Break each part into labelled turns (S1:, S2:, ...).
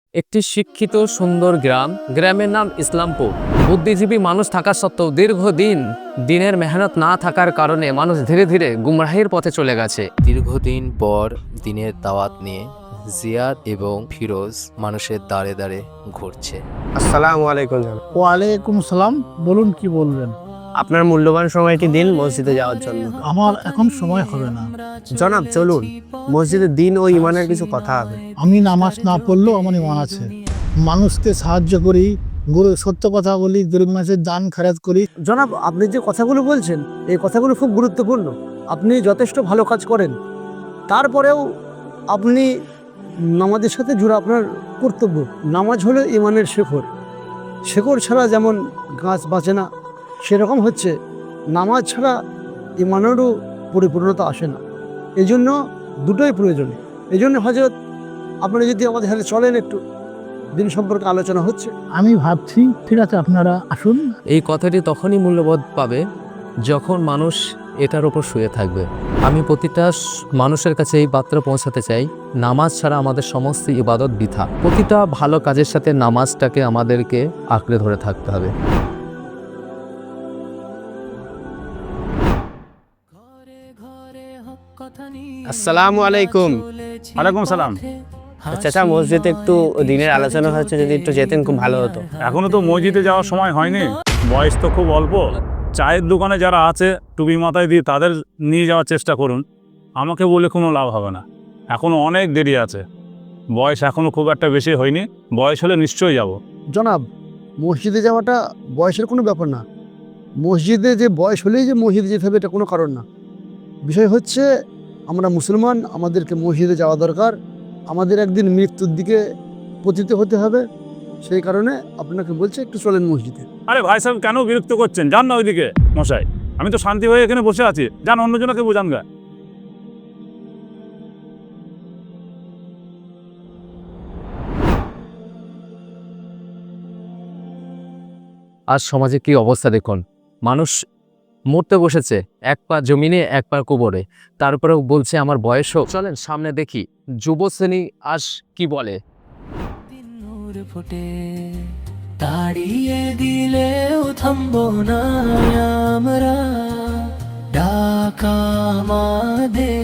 S1: একটি শিক্ষিত সুন্দর গ্রাম, গ্রামের নাম ইসলামপুর। বুদ্ধিজীবী মানুষ থাকা সত্ত্বেও দীর্ঘদিন দিনের মেহনত না থাকার কারণে মানুষ ধীরে ধীরে গুমরাহির পথে চলে গেছে।
S2: দীর্ঘদিন পর দিনের দাওয়াত নিয়ে জিয়াদ এবং ফিরোজ মানুষের দাঁড়ে দাঁড়ে ঘুরছে।
S3: আসসালামু আলাইকুম জনাব।
S4: ওয়ালাইকুম সালাম। বলুন কি বলবেন?
S3: আপনার মূল্যবান সময়টি দিন মসজিদে যাওয়ার জন্য।
S4: আমার এখন সময় হবে না।
S3: জনাব চলুন, মসজিদে দিন ও ইমানের কিছু কথা হবে।
S4: আমি নামাজ না পড়লেও আমার ইমান আছে। মানুষকে সাহায্য করি, সত্য কথা বলি, গরিব মানুষের দান খরচ করি।
S3: জনাব, আপনি যে কথাগুলো বলছেন এই কথাগুলো খুব গুরুত্বপূর্ণ। আপনি যথেষ্ট ভালো কাজ করেন, তারপরেও আপনি নামাজের সাথে জুড়ে আপনার কর্তব্য। নামাজ হলো ইমানের শেকড়। শেকড় ছাড়া যেমন গাছ বাঁচে না, সেরকম হচ্ছে নামাজ ছাড়া ইমানেরও পরিপূর্ণতা আসে না। এই জন্য দুটোই প্রয়োজন। এই জন্য হযরত আপনারা যদি আমাদের সাথে চলেন, একটু দিন সম্পর্কে আলোচনা হচ্ছে।
S4: আমি ভাবছি ঠিক আছে আপনারা আসুন।
S1: এই কথাটি তখনই মূল্যবোধ পাবে যখন মানুষ এটার উপর শুয়ে থাকবে। আমি প্রতিটা মানুষের কাছে এই বার্তা পৌঁছাতে চাই, নামাজ ছাড়া আমাদের সমস্ত ইবাদত বৃথা। প্রতিটা ভালো কাজের সাথে নামাজটাকে আমাদেরকে আঁকড়ে ধরে থাকতে হবে।
S3: আসসালামু আলাইকুম।
S5: ওয়ালাইকুম সালাম।
S3: চাচা, মসজিদে একটু দিনের আলোচনা হচ্ছে, যদি একটু যেতেন খুব ভালো হতো।
S5: এখনো তো মসজিদে যাওয়ার সময় হয়নি, বয়স তো খুব অল্প। চায়ের দোকানে যারা আছে টুপি মাথায় দিয়ে তাদের নিয়ে যাওয়ার চেষ্টা করুন। আমাকে বলে কোনো লাভ হবে না, এখনো অনেক দেরি আছে। বয়স এখনো খুব একটা বেশি হয়নি, বয়স হলে নিশ্চয়ই যাব।
S6: জনাব, মসজিদে যাওয়াটা বয়সের কোনো ব্যাপার না। মসজিদে যে বয়স হলেই যে মসজিদে যেতে হবে এটা কোনো কারণ না। বিষয় হচ্ছে আমরা মুসলমান, আমাদেরকে মসজিদে যাওয়া দরকার। আমাদের একদিন মৃত্যুর দিকে পতিত হতে হবে, সেই কারণে আপনাকে বলছে একটু চলেন মসজিদে।
S5: আরে ভাই সাহেব, কেন বিরক্ত করছেন? যান না ওইদিকে মশাই, আমি তো শান্তি হয়ে এখানে বসে আছি। যান, অন্যজনকে বোঝান গা।
S1: আজ সমাজে কি অবস্থা দেখুন, মানুষ মরতে বসেছে, এক পা জমিনে এক পা কবরে, তারপরেও বলছে আমার বয়স হোক। চলেন সামনে দেখি যুব শ্রেণী আজ কি বলে।
S7: নূর ফুটে তাড়িয়ে দিলেও থামবো না আমরা, ডাকা আমাদের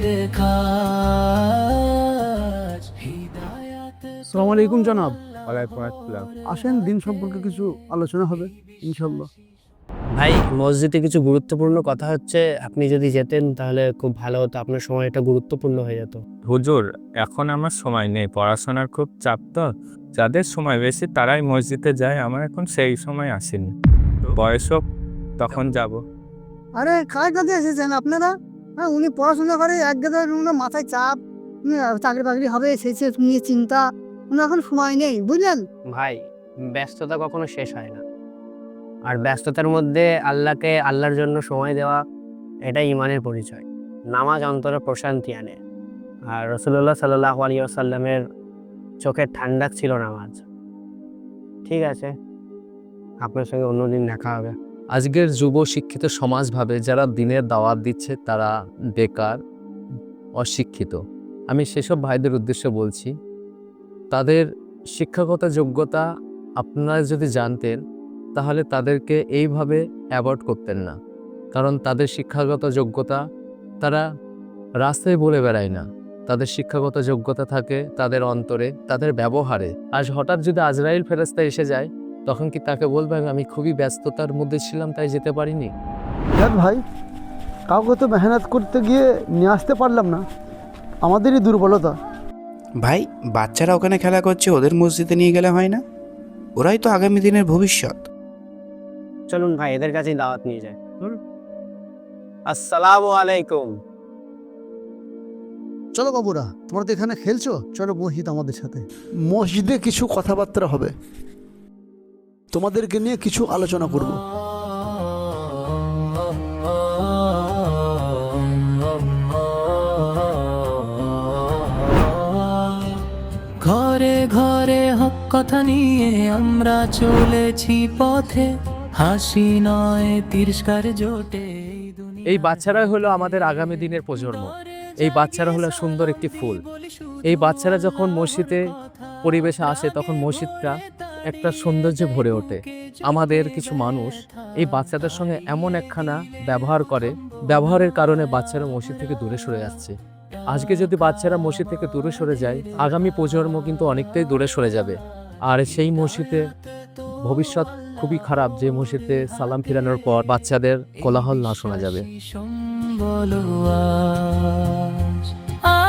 S7: কাজ হিদায়াত।
S6: আসসালামু আলাইকুম জনাব।
S3: ওয়ালাইকুম আসসালাম।
S6: আসেন, দিন সম্পর্কে কিছু আলোচনা হবে ইনশাল্লাহ।
S3: ভাই, মসজিদে কিছু গুরুত্বপূর্ণ কথা হচ্ছে, আপনি যদি যেতেন তাহলে খুব ভালো হতো। আপনার সময়টা গুরুত্বপূর্ণ হয়ে যেত।
S8: হুজুর, এখন আমার সময় নেই, পড়াশোনার খুব চাপ তো। যাদের সময় বেশি তারাই মসজিদে যায়, আমার এখন সেই সময় আসেনি। বয়স হোক তখন যাব।
S6: আরে কার কাছে এসেছেন আপনারা? হ্যাঁ, উনি পড়াশোনা করে, এক গাদা মাথায় চাপ, চাকরি বাকরি হবে সেই নিয়ে চিন্তা। উনি এখন সময় নেই, বুঝলেন?
S3: ভাই, ব্যস্ততা কখনো শেষ হয় না, আর ব্যস্ততার মধ্যে আল্লাহর জন্য সময় দেওয়া, এটা ইমানের পরিচয়। নামাজ অন্তরে প্রশান্তি আনে, আর রাসূলুল্লাহ সাল্লাল্লাহু আলাইহি ওয়াসাল্লামের চোখের ঠান্ডা ছিল নামাজ। ঠিক আছে, আপনার সঙ্গে অন্যদিন দেখা হবে।
S1: আজকের যুব শিক্ষিত সমাজ ভাবে যারা দিনের দাওয়াত দিচ্ছে তারা বেকার, অশিক্ষিত। আমি সেসব ভাইদের উদ্দেশ্যে বলছি, তাদের শিক্ষাগত যোগ্যতা আপনারা যদি জানতেন তাহলে তাদেরকে এইভাবে অ্যাভয়েড করতেন না। কারণ তাদের শিক্ষাগত যোগ্যতা তারা রাস্তায় বলে বেড়ায় না, তাদের শিক্ষাগত যোগ্যতা থাকে তাদের অন্তরে, তাদের ব্যবহারে। আজ হঠাৎ যদি আজরাইল ফেরেশতা এসে যায়, তখন কি তাকে বলবেন আমি খুবই ব্যস্ততার মধ্যে ছিলাম তাই যেতে পারিনি?
S6: দেখ ভাই, কাউকে তো মেহনত করতে গিয়ে নিয়ে আসতে পারলাম না, আমাদেরই দুর্বলতা।
S9: ভাই, বাচ্চারা ওখানে খেলা করছে, ওদের মসজিদে নিয়ে গেলে হয় না? ওরাই তো আগামী দিনের ভবিষ্যৎ।
S3: চলুন ভাই, এদের কাছেই দাওয়াত নিয়ে যায়। আসসালামু আলাইকুম।
S6: চলো বাবুরা, তোমরা তো এখানে খেলছো, চলো মসজিদ আমাদের সাথে। মসজিদে কিছু কথাবার্তা হবে, তোমাদেরকে নিয়ে কিছু আলোচনা করব।
S7: ঘরে ঘরে হক কথা নিয়ে আমরা চলেছি পথে, হাসি নয় তিরস্কার জোটে।
S1: এই বাচ্চারা হলো আমাদের আগামী দিনের প্রজন্ম। এই বাচ্চারা হলো সুন্দর একটি ফুল। এই বাচ্চারা যখন মসজিদে পরিবেশে আসে তখন মসজিদটা একটা সৌন্দর্যে ভরে ওঠে। আমাদের কিছু মানুষ এই বাচ্চাদের সঙ্গে এমন একখানা ব্যবহার করে, ব্যবহারের কারণে বাচ্চারা মসজিদ থেকে দূরে সরে যাচ্ছে। আজকে যদি বাচ্চারা মসজিদ থেকে দূরে সরে যায়, আগামী প্রজন্ম কিন্তু অনেকটাই দূরে সরে যাবে। আর সেই মসজিদে ভবিষ্যৎ খুবই খারাপ, যে মসজিদে সালাম ফিরানোর পর বাচ্চাদের কোলাহল না শোনা যাবে।
S7: বলো আজ